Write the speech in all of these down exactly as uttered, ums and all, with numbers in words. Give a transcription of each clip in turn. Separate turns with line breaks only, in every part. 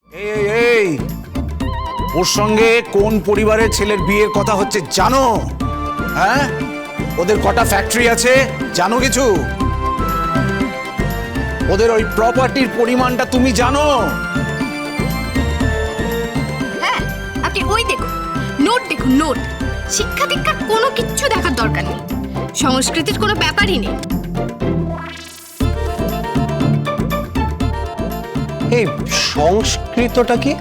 এই এই ওর সঙ্গে কোন পরিবারের ছেলের বিয়ের কথা হচ্ছে জানো? হ্যাঁ, ওদের কটা ফ্যাক্টরি আছে জানো কিছু? ওদের ওই প্রপার্টির পরিমাণটা তুমি জানো?
হ্যাঁ, আপনি ওই দেখুন, নোট দেখুন, নোট। শিক্ষা দীক্ষার কোনো কিচ্ছু দেখার দরকার নেই, সংস্কৃতির কোনো ব্যাপারই নেই।
এই সংস্কৃতটা কি?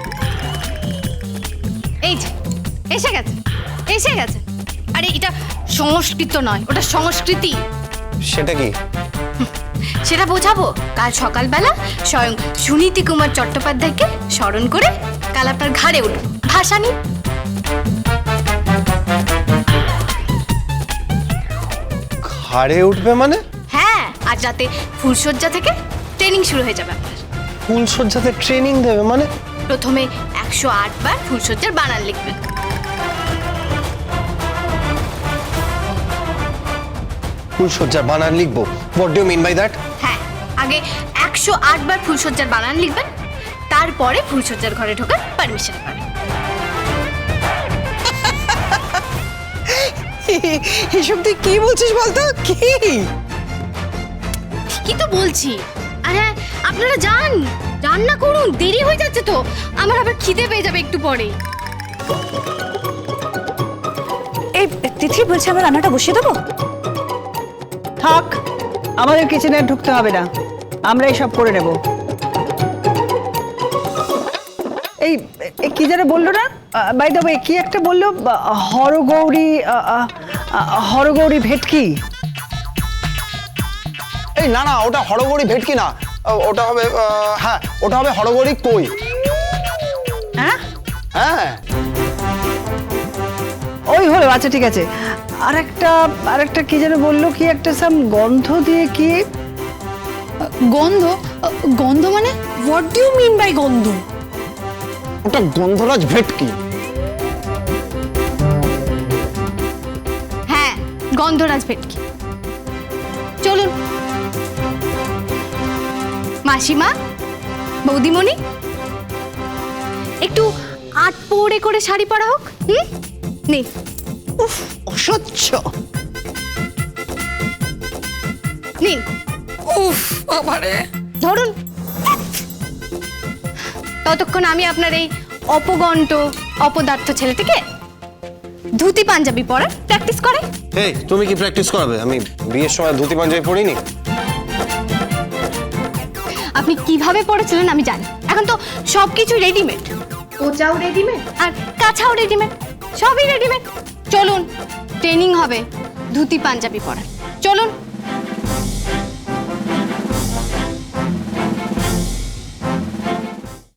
এই যে এসে গেছে, এসে গেছে। আরে এটা সংস্কৃত নয়, ওটা সংস্কৃতি।
সেটা কি?
সেটা বোঝাবো কাল সকালবেলা স্বয়ং সুনীতি কুমার চট্টোপাধ্যায়কে স্মরণ করে কাল আপনার ঘাড়ে উঠব ভাষা নিয়ে।
ঘাড়ে উঠবে মানে?
হ্যাঁ, আজ রাতে ফুলশয্যা থেকে ট্রেনিং শুরু হয়ে যাবে আপনার।
ফুলসজ্জাতে ট্রেনিং দেবে মানে?
প্রথমে একশো আট বার ফুলশয্যার বানান লিখবেন।
ফুলসজ্জার বানান লিখবো? What do you mean by that?
হ্যাঁ, আগে একশো আট বার ফুলশয্যার বানান লিখবেন, তারপরে ফুলশয্যার ঘরে ঢোকার পারমিশন পাবেন।
এসব তুই কি বলছিস বলতো? কি
কি তো বলছি। আর হ্যাঁ, আপনারা যান, রান্না করুন, দেরি হয়ে যাচ্ছে তো। আমার আবার খিদে পেয়ে যাবে একটু পরে।
এই তিথি বলছে আমার রান্নাটা বসিয়ে দেবো?
থাক, আমাদের কিচেনে ঢুকতে হবে না, আমরাই সব করে নেব। এই এ কি যেন বললো না, বাই দ্য ওয়ে কি একটা বললো, আহ, হরগৌরী আহ, আহ, আহ, হরগৌরী ভেটকি।
এই না না, ওটা হরগৌরী ভেটকি না, ও- ওটা হবে আহ, হ্যাঁ, ওটা হবে হরগৌরী কই।
হ্যাঁ,
হ্যাঁ,
ওই হলো, আচ্ছা ঠিক আছে। আর একটা আর একটা কি যেন বললো, কি একটা সাম গন্ধ দিয়ে কি।
গন্ধ? গন্ধ মানে what do you mean by গন্ধ?
ওটা গন্ধরাজ ভেটকি।
হ্যাঁ, গন্ধরাজ ভেটকি। চলুন মাসিমা, বৌদিমণি, একটু আট পৌড়ে করে শাড়ি পরা হোক। হুম, নে।
উফ, অসহ্য।
নিন।
উফ বাবারে।
ধরুন। ততক্ষণ আমি আপনার এই অপগণ্ড অপদার্থ ছেলেটিকে ধুতি পাঞ্জাবি পরার প্র্যাকটিস করে।
এই তুমি কি প্র্যাকটিস করাবে? আমি বিয়ের সময় ধুতি পাঞ্জাবি পরিনি।
আপনি কিভাবে পড়েছিলেন আমি জানি, এখন তো সবকিছু রেডিমেড। কোচাও রেডিমেড আর কাছাও রেডিমেড, সবই রেডিমেড। চলুন, ট্রেনিং হবে ধুতি পাঞ্জাবি পরার। চলুন।